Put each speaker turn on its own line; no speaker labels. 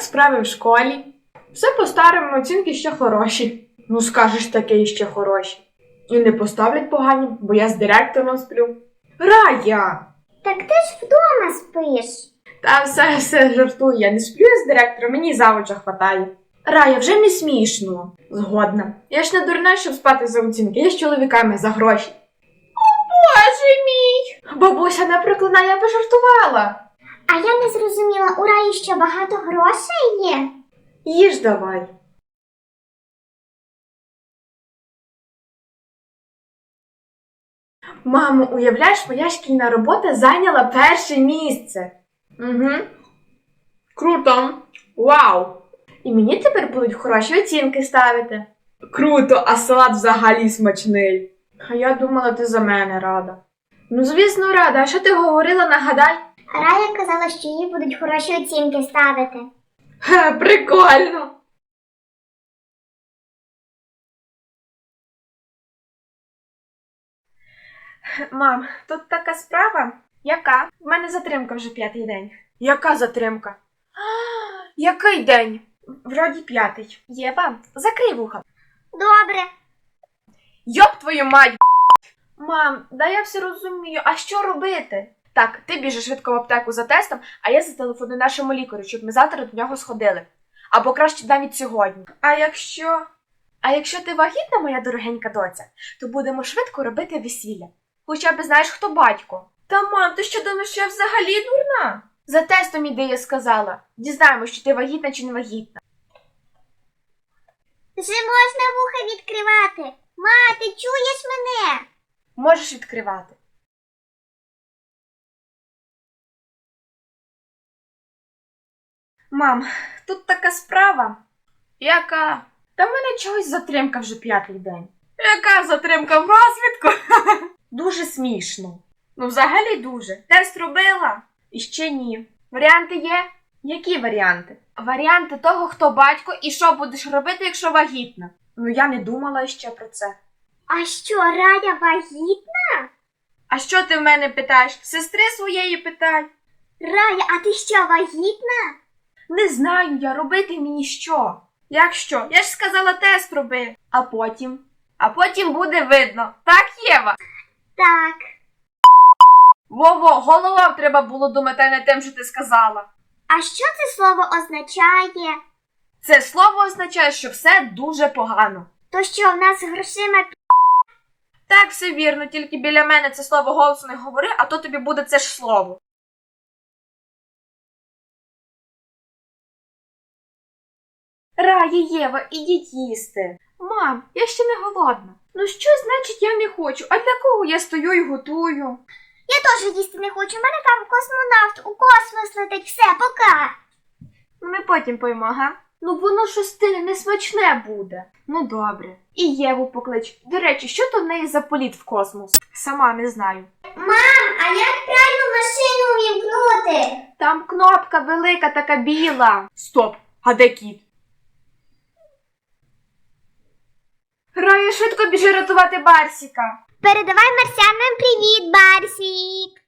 справи в школі? Все по-старому, оцінки ще хороші. Ну скажеш, таке ще хороші. І не поставлять погані, бо я з директором сплю. Рая!
Так ти ж вдома спиш.
Та все жартую, я не сплю з директором, мені завуча хватає. Рая, вже не смішно. Згодна. Я ж не дурна, щоб спати за оцінки, я з чоловіками за гроші. О, Боже мій! Бабуся не проклинає, я пожартувала.
А я не зрозуміла, у Раї ще багато грошей є?
Їж давай. Мамо, уявляєш, моя шкільна робота зайняла перше місце. Угу. Круто. Вау. І мені тепер будуть хороші оцінки ставити. Круто, а салат взагалі смачний. А я думала, ти за мене рада. Ну, звісно, рада. А що ти говорила, нагадай?
Рая казала, що їй будуть хороші оцінки ставити.
Ха, прикольно. Мам, тут така справа. Яка? В мене затримка вже 5-й день. Яка затримка? Який день? Вроді 5-й. Єва, закрий вуха.
Добре.
Йоп твою мать! Мам, да я все розумію, а що робити? Так, ти біжиш швидко в аптеку за тестом, а я зателефоную нашому лікарю, щоб ми завтра до нього сходили. Або краще навіть сьогодні. А якщо ти вагітна, моя дорогенька доця, то будемо швидко робити весілля. Хоча б знаєш, хто батько. Та мам, ти що думаєш, що я взагалі дурна? За тестом іди, я сказала. Дізнаємось, чи ти вагітна, чи не вагітна.
Вже можна вуха відкривати. Ма, ти чуєш мене?
Можеш відкривати. Мам, тут така справа. Яка? Та в мене чогось затримка вже 5-й день. Яка затримка в розвідку? Дуже смішно. Ну, взагалі дуже. Тест робила? І ще ні. Варіанти є? Які варіанти? Варіанти того, хто батько і що будеш робити, якщо вагітна. Ну, я не думала ще про це.
А що, Рая вагітна?
А що ти в мене питаєш? Сестри своєї питай.
Рая, а ти що, вагітна?
Не знаю я, робити мені що? Як що? Я ж сказала, тест роби. А потім? А потім буде видно. Так, Єва?
Так.
Во-во, головою треба було думати, а не тим, що ти сказала.
А що це слово означає?
Це слово означає, що все дуже погано.
То що, в нас з грошима
Так, все вірно, тільки біля мене це слово голосно не говори, а то тобі буде це ж слово. Рая, Єва, ідіть їсти. Мам, я ще не голодна. Ну що значить я не хочу? А для кого я стою і готую?
Я теж їсти не хочу, у мене там космонавт у космос летить, все, пока.
Ми потім поїмо, га? Ну воно щось стине, несмачне буде. Ну добре. І Єву поклич. До речі, що то в неї за політ в космос? Сама не знаю.
Мам, а як пральну машину увімкнути?
Там кнопка велика, така біла. Стоп, а де кіт? Рая, швидко біжи рятувати Барсіка.
Передавай марсіанам привіт, Барсік.